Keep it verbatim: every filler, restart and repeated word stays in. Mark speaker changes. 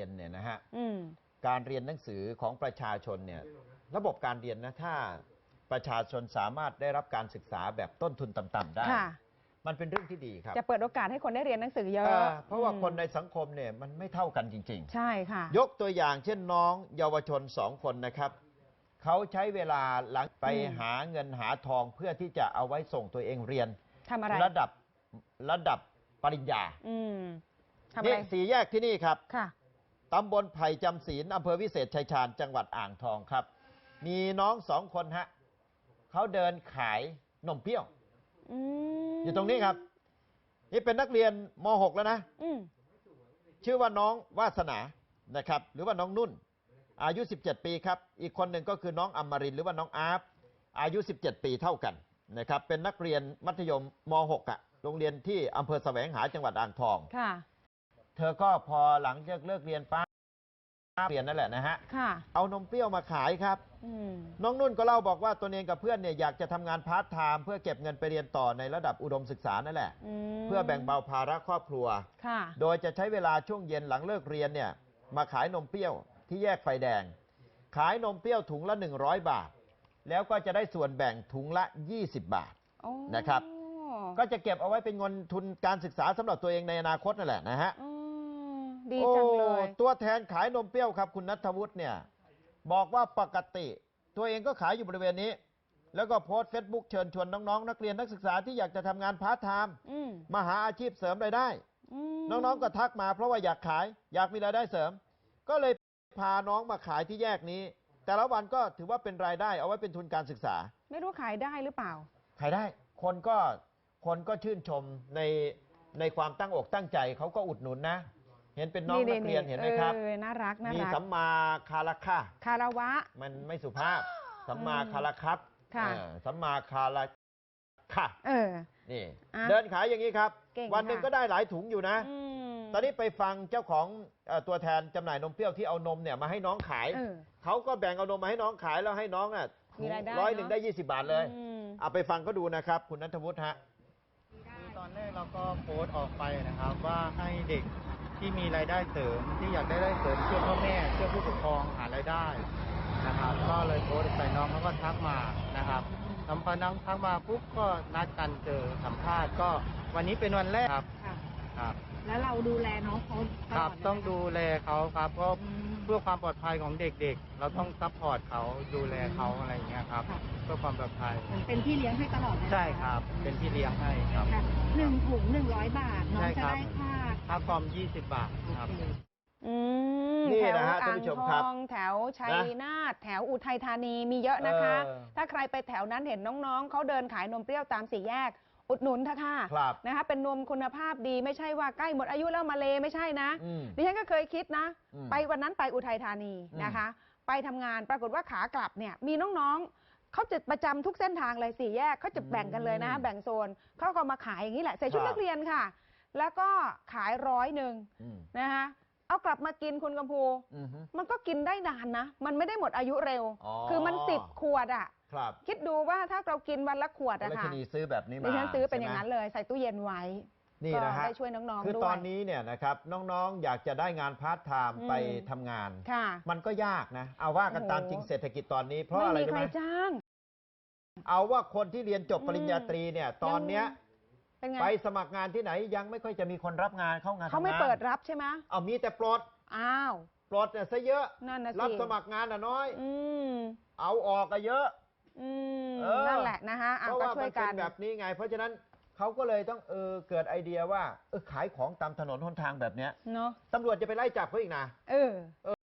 Speaker 1: ยนเนี่ยนะฮะการเรียนหนังสือของประชาชนเนี่ยระบบการเรียนนะถ้าประชาชนสามารถได้รับการศึกษาแบบต้นทุนต่ำๆได้มันเป็นเรื่องที่ดีครับ
Speaker 2: จะเปิดโอกาสให้คนได้เรียนหนังสือเยอะ
Speaker 1: เพราะว่าคนในสังคมเนี่ยมันไม่เท่ากันจริงๆ
Speaker 2: ใช่ค่ะ
Speaker 1: ยกตัวอย่างเช่นน้องเยาวชนสองคนนะครับเขาใช้เวลาหลังไปหาเงินหาทองเพื่อที่จะเอาไว้ส่งตัวเองเรียน
Speaker 2: ทำอะไร
Speaker 1: ระดับระดับปริญญา
Speaker 2: นี่
Speaker 1: สี่แยกที่นี่ครับตำบลไผ่จำศีลอำเภอวิเศษชัยชาญจังหวัดอ่างทองครับมีน้องสองคนฮะเขาเดินขายนมเปรี้ยวอยู่ตรงนี้ครับนี่เป็นนักเรียนม หก แล้วนะชื่อว่าน้องวาสนานะครับหรือว่าน้องนุ่นอายุสิบเจ็ดปีครับอีกคนหนึ่งก็คือน้องอมรินทร์หรือว่าน้องอาร์ฟอายุสิบเจ็ดปีเท่ากันนะครับเป็นนักเรียนมัธยมม หก อ่ะโรงเรียนที่อำเภอแสวงหาจังหวัดอ่างทองค่ะเธอก็พอหลังจากเลิกเรียนป้าเรียนนั่นแหละนะฮะเอานมเปรี้ยวมาขายครับน้องนุ่นก็เล่าบอกว่าตัวเองกับเพื่อนเนี่ยอยากจะทำงานพาร์ทไทม์เพื่อเก็บเงินไปเรียนต่อในระดับอุดมศึกษานั่นแหละเพื่อแบ่งเบาภาระครอบครัวโดยจะใช้เวลาช่วงเย็นหลังเลิกเรียนเนี่ยมาขายนมเปรี้ยวที่แยกไฟแดงขายนมเปรี้ยวถุงละหนึ่งร้อยบาทแล้วก็จะได้ส่วนแบ่งถุงละยี่สิบบาทนะครับก็จะเก็บเอาไว้เป็นเงินทุนการศึกษาสำหรับตัวเองในอนาคตนั่นแหละนะฮะ
Speaker 2: ดีจังเลย
Speaker 1: ตัวแทนขายนมเปรี้ยวครับคุณณัฐวุฒิเนี่ยบอกว่าปกติตัวเองก็ขายอยู่บริเวณนี้แล้วก็โพสต์เฟซบุ๊กเชิญชวนน้องๆนักเรียนนักศึกษาที่อยากจะทำงานพาร์ทไทม์มาหาอาชีพเสริมรายได้น้องๆก็ทักมาเพราะว่าอยากขายอยากมีรายได้เสริมก็เลยพาน้องมาขายที่แยกนี้แต่ละวันก็ถือว่าเป็นรายได้เอาไว้เป็นทุนการศึกษา
Speaker 2: ไม่รู้ขายได้หรือเปล่า
Speaker 1: ขายได้คนก็คนก็ชื่นชมในในความตั้งอกตั้งใจเขาก็อุดหนุนนะเห็นเป็นน้องนักเรียนเห็นไหมครับ
Speaker 2: น่ารักน่ารัก
Speaker 1: มีสัมมาคาระคะ
Speaker 2: คารวะ
Speaker 1: มันไม่สุภาพสัมมาคาระครับสัมมาคาระค่ะนี่เดินขายอย่างนี้ครับวันหนึ่งก็ได้หลายถุงอยู่นะตอนนี้ไปฟังเจ้าของตัวแทนจำหน่ายนมเปรี้ยวที่เอานมเนี่ยมาให้น้องขายเขาก็แบ่งเอานมมาให้น้องขายแล้วให้น้องอ่ะร้อยหนึ่งได้ยี่สิบบาทเลยเอาไปฟังก็ดูนะครับคุณณัฐวุฒิฮะ
Speaker 3: คือตอนแรกเราก็โพสต์ออกไปนะครับว่าให้เด็กที่มีรายได้เสริมที่อยากได้รายได้เสริมช่วยพ่อแม่ช่วยผู้ปกครองหารายได้นะครับก็เลยโพสต์ไปน้องเขาก็ทักมานะครับทำพอน้องทักมาปุ๊บก็นัดกันเจอสัมภาษณ์ก็วันนี้เป็นวันแรกครับ
Speaker 2: ครับแล้วเราดูแลน้องเขา
Speaker 3: ครับต้องดูแลเขาครับเพราะเพื่อความปลอดภัยของเด็กๆเราต้องซัพพอร์ตเขาดูแลเขาอะไรอย่างเงี้ยครับเพื่อความปลอดภัย
Speaker 2: เป็นพี่เลี้ยงให้ตลอด
Speaker 3: ใช่ครับเป็นพี่เลี้ยงให้ครับ
Speaker 2: หนึ่งถุงหนึ่งร้อยบาทน้องจะได้ค่า
Speaker 3: ค่าคอมยี่สิบบาทครับ
Speaker 1: นี่นะฮะท่านผู้ชมครับ
Speaker 2: แถวชัยนาทแถวอุทัยธานีมีเยอะนะคะถ้าใครไปแถวนั้นเห็นน้องๆเขาเดินขายนมเปรี้ยวตามสี่แยกอุดหนุนเถอะค่ะนะคะเป็นนมคุณภาพดีไม่ใช่ว่าใกล้หมดอายุแล้วมาเลไม่ใช่นะดิฉันก็เคยคิดนะไปวันนั้นไปอุทัยธานีนะคะไปทำงานปรากฏว่าขากลับเนี่ยมีน้องๆเขาจะประจำทุกเส้นทางเลยสี่แยกเขาจะแบ่งกันเลยนะแบ่งโซนเขาก็มาขายอย่างนี้แหละใส่ชุดนักเรียนค่ะแล้วก็ขายร้อยหนึ่งนะคะเอากลับมากินคุณกำพูมันก็กินได้นานนะมันไม่ได้หมดอายุเร็วคือมันสิบขวดอ่ะคิดดูว่าถ้าเรากินวันละขวดอะค่ะ
Speaker 1: ดิฉันซื้อแบบนี้มา
Speaker 2: ดิฉันซื้อเป็นอย่างนั้นเลยใส่ตู้เย็นไว้
Speaker 1: นี่นะฮะ
Speaker 2: ได้ช่วยน้องๆด้วย
Speaker 1: คือตอนนี้เนี่ยนะครับน้องๆอยากจะได้งานพาร์ทไทม์ไปทำงานมันก็ยากนะเอาว่ากันตามจริงเศรษฐกิจตอนนี้เพราะอะไรรู้ไหม
Speaker 2: ไม่มีใครจ้าง
Speaker 1: เอาว่าคนที่เรียนจบปริญญาตรีเนี่ยตอนเนี้ยไปสมัครงานที่ไหนยังไม่ค่อยจะมีคนรับงานเข้างาน
Speaker 2: เขาไม่เปิดรับใช่ไหม
Speaker 1: เอามีแต่ปลด
Speaker 2: อ้าว
Speaker 1: ปลดเนี่ยซะเยอะรับสมัครงานอ่ะน้อยเอาออกก็เยอะ
Speaker 2: นั่นแหละนะคะ
Speaker 1: เพราะว่ามันเป็นแบบนี้ไงเพราะฉะนั้นเขาก็เลยต้องเออเกิดไอเดียว่าเออขายของตามถนนหนทางแบบเนี้ยเนาะตำรวจจะไปไล่จับเขาอีกนะเออ